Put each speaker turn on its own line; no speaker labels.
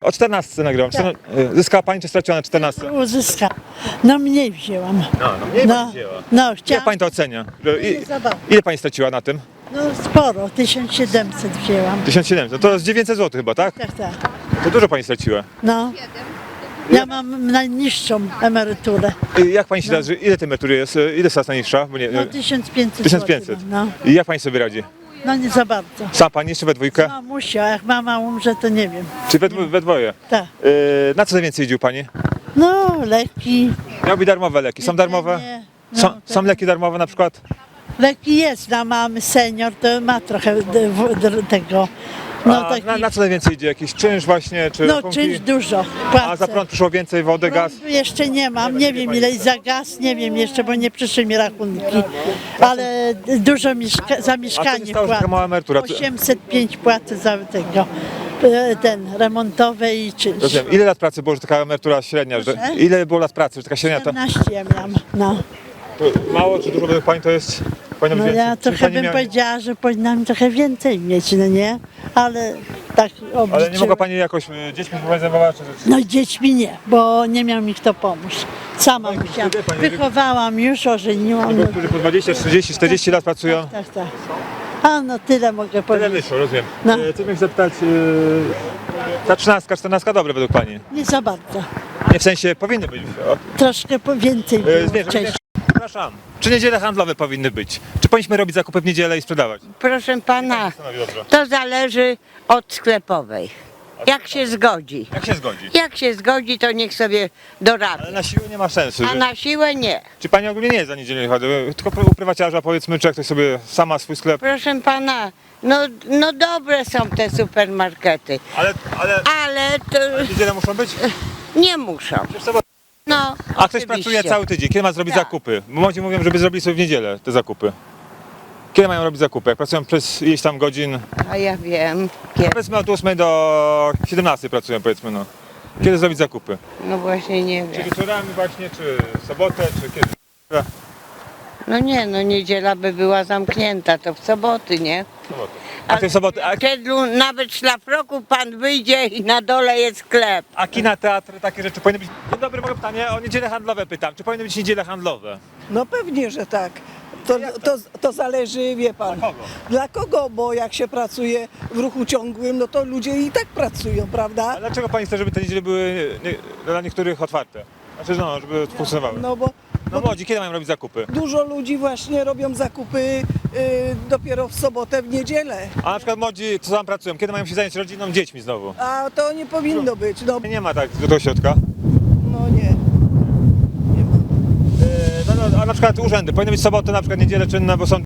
O 14 nagrywam. Zyskała pani czy straciła na 14?
Uzyska. No mniej wzięłam.
No mniej pani wzięła.
No
Jak
chciałam.
pani to ocenia?
Nie zabawne.
Ile pani straciła na tym?
No sporo, 1700 wzięłam.
1700, to jest 900 zł chyba, tak?
Tak, tak.
To dużo pani straciła.
No. Ja mam najniższą emeryturę.
Jak pani się da, że ile tej emerytury jest? Ile jest najniższa? Bo nie,
No 1500
1500.
zł. No.
I jak pani sobie radzi?
No nie za bardzo.
Sam pani jeszcze we dwójkę?
Mamusia, a jak mama umrze, to nie wiem.
Czy we dwoje?
Tak.
Na co najwięcej jeździł pani?
No leki.
Miałby darmowe leki. Są darmowe?
jedzenie, no,
Są leki darmowe na przykład?
Leki jest, na mamy senior, to ma trochę tego. No taki,
Na co najwięcej idzie? Jakiś czynsz właśnie? Czy
no
rachunki?
czymś dużo
A
płacę.
za prąd przyszło więcej wody, gaz?
Prądu jeszcze nie mam, nie wiem ile za gaz, nie wiem jeszcze, bo nie przyszły mi rachunki, ale dużo za mieszkanie
stało, że taka
płacę.
mała emerytura?
805 płacę za tego, ten remontowe i czynsz.
Rozumiem. Ile lat pracy było, że taka emerytura średnia? Że,
Proszę?
ile było lat pracy, że taka średnia to,
14 ja miałam, no.
to mało czy dużo według pani to jest? Powinno być
No
więcej?
ja
Czy
trochę
pani
bym
miała-
powiedziała, że powinnam trochę więcej mieć, no nie? Ale tak
Ale nie
obliczyłam.
mogła pani jakoś dziećmi zajmować?
No dziećmi nie, bo nie miał mi kto pomóc. Sama
No i
musiałam.
wtedy pani-
Wychowałam już, ożeniłam.
Bo
No,
którzy po 20, 30, 40 lat pracują?
tak, tak. A no tyle mogę
Tyle
powiedzieć.
wyszło, rozumiem.
No.
Chcę mich zapytać, ta 13, 14 dobre według pani?
Nie za bardzo.
Nie w sensie powinny być.
Troszkę więcej było wcześniej.
Przepraszam. Czy niedziele handlowe powinny być? Czy powinniśmy robić zakupy w niedzielę i sprzedawać?
Proszę pana,
Stanowi dobrze.
to zależy od sklepowej. Jak się zgodzi.
Jak się zgodzi?
Jak się zgodzi, to niech sobie
Ale
dorabia.
na siłę nie ma sensu.
A na siłę nie.
Czy pani ogólnie nie jest za niedzielę handlowe? Tylko u prywaciarza powiedzmy, czy jak ktoś sobie sama swój sklep.
Proszę pana, no dobre są te supermarkety,
Ale
ale to
w niedzielę muszą być?
nie muszą.
Czy w sobotę?
No,
A ktoś
oczywiście.
pracuje cały tydzień. Kiedy ma zrobić
Tak.
zakupy? Bo młodzi mówią, żeby zrobili sobie w niedzielę te zakupy. Kiedy mają robić zakupy? Jak pracują przez ileś tam godzin?
A ja wiem, kiedy.
Powiedzmy od 8 do 17 pracują powiedzmy no. Kiedy zrobić zakupy?
No właśnie nie
Czy
wiem.
wieczorami właśnie, czy w sobotę, czy kiedy?
No nie, no niedziela by była zamknięta, to w soboty, nie?
W sobotę. A ty w sobotę?
Nawet szlafroku pan wyjdzie i na dole jest sklep.
A kina, teatry, takie rzeczy powinny być. Dzień dobry, mogę pytanie o niedziele handlowe pytam. Czy powinny być niedziele handlowe?
No pewnie, że tak.
Jak
To zależy, wie pan.
Dla kogo?
Dla kogo? Bo jak się pracuje w ruchu ciągłym, no to ludzie i tak pracują, prawda?
A dlaczego pani chce, żeby te niedziele były dla niektórych otwarte? Znaczy no, żeby funkcjonowały.
No bo
No młodzi, kiedy mają robić zakupy?
dużo ludzi właśnie robią zakupy dopiero w sobotę, w niedzielę.
A na przykład młodzi, co tam pracują, kiedy mają się zająć rodziną, dziećmi znowu?
A to nie powinno być. No,
Nie ma tak do tego środka.
no nie. Nie ma.
No, a na przykład urzędy, powinny być soboty, na przykład niedziele czynne, bo są